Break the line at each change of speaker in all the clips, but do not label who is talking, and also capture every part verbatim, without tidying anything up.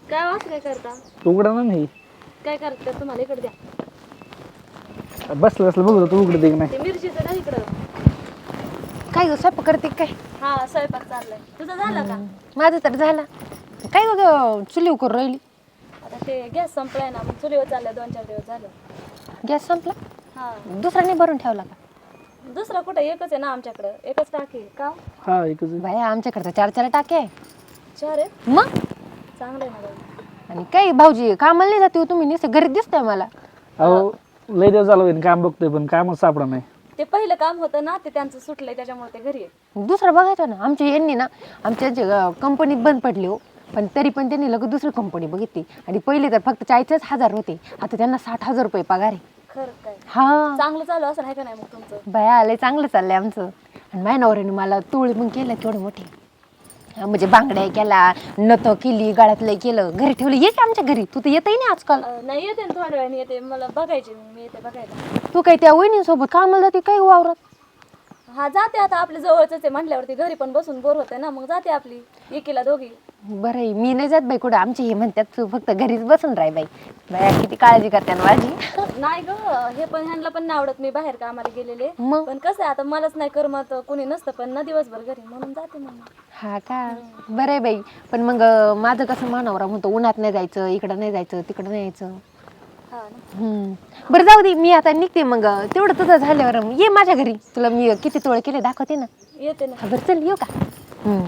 काय वास काय करता?
उघडा ना नाही
काय करता तुम्हाला इकडे द्या.
बसलं बसलं बघू तू उघडते की नाही.
ते मिरचीचं ना इकडं.
काय ग स्वयंपाक करते काय?
हा स्वयंपाक चाललाय. तुझं झालं का?
माझं तर झालं. काय ग चुलीव करून राहिली?
आता ते गॅस संपलाय ना, मग चुलीवर चाललंय. दोन चार दिवस झालं.
गॅस संपला?
हा.
दुसरा नाही भरून ठेवला का?
दुसरा कुठं, एकच आहे ना आमच्याकडं. एकच टाकी का?
हा एकच आहे.
बाया आमच्याकडे चार चार टाके आहे.
चार आहेत?
मग
चांगलं आहे ना बाई.
आणि काही भाऊजी कामाला नाही जाते हो तुम्ही, नुसतं घरी दिसताय मला.
अहो लय दिवस झालं होईन काम बघतोय पण कामच सापडा नाही.
ते पहिलं काम होतं ना, ते त्यांचं सुटलंय त्याच्यामुळे ते घरी आहे.
दुसरं बघायचं ना. आमच्या यांनी ना आमच्या कंपनीत बंद पडली हो, पण तरी पण त्यांनी लगेच दुसरी कंपनी बघितली. आणि पहिले तर फक्त चाळीसच हजार होते, आता त्यांना साठ हजार रुपये पगार आहे.
खरं काय?
हा
चांगलं चालू असं आहे का नाही मग तुमचं?
बाया आलंय, चांगलं चाललंय आमचं. आणि माझ्या नवऱ्याने मला तोळ मग केलं केवढे मोठे, म्हणजे बांगड्या केला, नथ केली, गळ्यातलं केलं, घरी ठेवलं. ये की आमच्या घरी, तू तर येतही नाही आजकाल.
अं, नाही येते ना, थोड्या वेळाने येते. मला बघायचे, मी येते बघायला.
तू काय त्या वहिनीसोबत कामाला जाते काय वावरात?
हा जाते, आता आपल्या जवळच आहे म्हटल्यावरती घरी पण बसून बोर होते ना, मग जाते आपली एकीला दोघी.
बरं आहे, मी नाही जात बाई कुठं. आमचे हे म्हणतात तू फक्त घरीच बसून राह बाई. बाया किती काळजी करते ना माझी.
नाही ग, हे पण ह्यांना पण नाही आवडत मी बाहेर कामाला गेलेले.
मग
पण कसं आहे आता, मलाच नाही करमत, कुणी नसतं पण ना दिवसभर घरी, म्हणून जाते मग.
हा का? बरं आहे बाई. पण मग अं, माझं कसं मानवरा म्हणतो उन्हात नाही जायचं, इकडं नाही जायचं, तिकडं नाही यायचं.
हा ना.
हम्म. बरं जाऊ दे, मी आता निघते. मग तेवढं तुझं झाल्यावर ये माझ्या घरी, तुला मी किती तोळे केले दाखवते ना.
येते ना.
हा बरं चल, येऊ का? हम्म.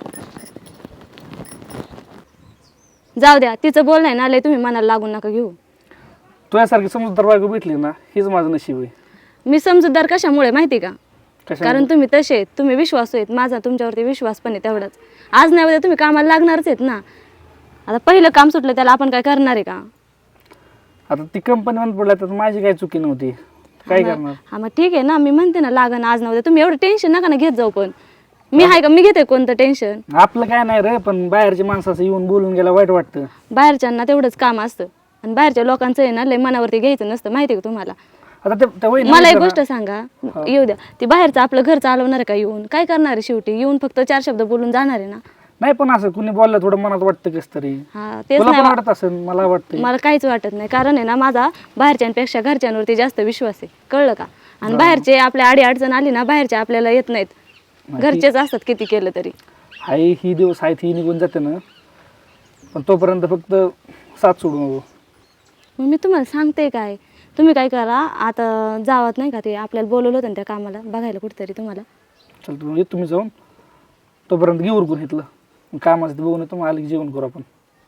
जाऊ द्या, तिचं बोलणं आहे ना लय, तुम्ही मनाला लागून नका घेऊ.
तुझ्यासारखी समजदार बायको भेटली ना, हीच माझं नशीब आहे.
मी समजूतदार कशामुळे माहिती का?
कशा
कारण तुम्ही तसे आहेत, तुम्ही विश्वासू आहेत. माझा तुमच्यावरती विश्वास पण आहे तेवढाच. आज नाही उद्या तुम्ही कामाला लागणारच आहेत ना. आता पहिलं काम सुटलं त्याला आपण काय करणार आहे का?
आता ती कंपनी बंद पडल्या तर माझी काही चुकी नव्हती, काय करणार.
हा मग ठीक आहे ना, मी म्हणते ना लागण आज नव्हतं. तुम्ही एवढं टेन्शन नका ना घेत जाऊ. पण मी आहे का, मी घेते कोणतं टेन्शन?
आपलं काय नाही रे, पण बाहेरची माणसं असं येऊन बोलून गेला वाईट वाटतं.
बाहेरच्यांना तेवढंच काम असतं आणि बाहेरच्या लोकांचं आहे ना लय मनावरती घ्यायचं नसतं, माहिती आहे का तुम्हाला?
आता ते त्या वहिनी
मला एक
विचारा.
गोष्ट सांगा, येऊ द्या. ती बाहेरचं आपलं घर चालवणार आहे का येऊन? काय करणार आहे शेवटी? येऊन फक्त चार शब्द बोलून जाणार आहे ना.
नाही पण असं कुणी बोललं थोडं मनात वाटतं कस तरी.
हा तेच
तुला पण
नाही,
वाटत असेल, मला वाटतं.
मला काहीच वाटत नाही. कारण आहे ना, माझा बाहेरच्यांपेक्षा घरच्यांवरती जास्त विश्वास आहे, कळलं का? आणि बाहेरचे आपल्या आडी अडचण आली ना, बाहेरचे आपल्याला येत नाहीत, घरचेच असतात किती केलं तरी.
हाय ही दिवस आहेत ही निघून जाते ना, पण तोपर्यंत फक्त साथ सोडू नको.
मग मी तुम्हाला सांगते काय, तुम्ही काय करा आता, जावत नाही का ते आपल्याला बोलवलं होतं ना त्या कामाला बघायला कुठेतरी तुम्हाला.
चल तू येत, तुम्ही जाऊन तोपर्यंत घेऊन उरकून घेतलं कामाचं ते बघून येतो, मग आलं की जेवण करू आपण.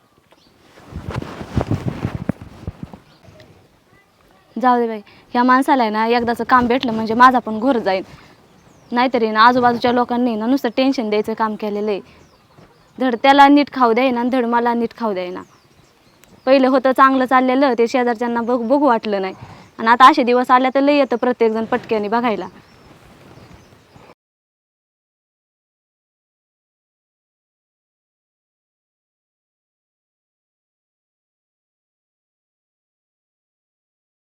जाऊ दे बाई, ह्या माणसाला आहे ना एकदाचं काम भेटलं म्हणजे माझा पण घोर जाईल. नाहीतरी ना आजूबाजूच्या लोकांनी ना नुसतं टेन्शन द्यायचं काम केलेलं आहे. धड त्याला नीट खाऊ द्यायना आणि धड मला नीट खाऊ द्यायना. पहिलं होतं चांगलं चाललेलं, ते शेजारच्यांना बघ बघू वाटलं नाही. आणि आता असे दिवस आल्या तर लय येतं प्रत्येकजण पटक्याने बघायला.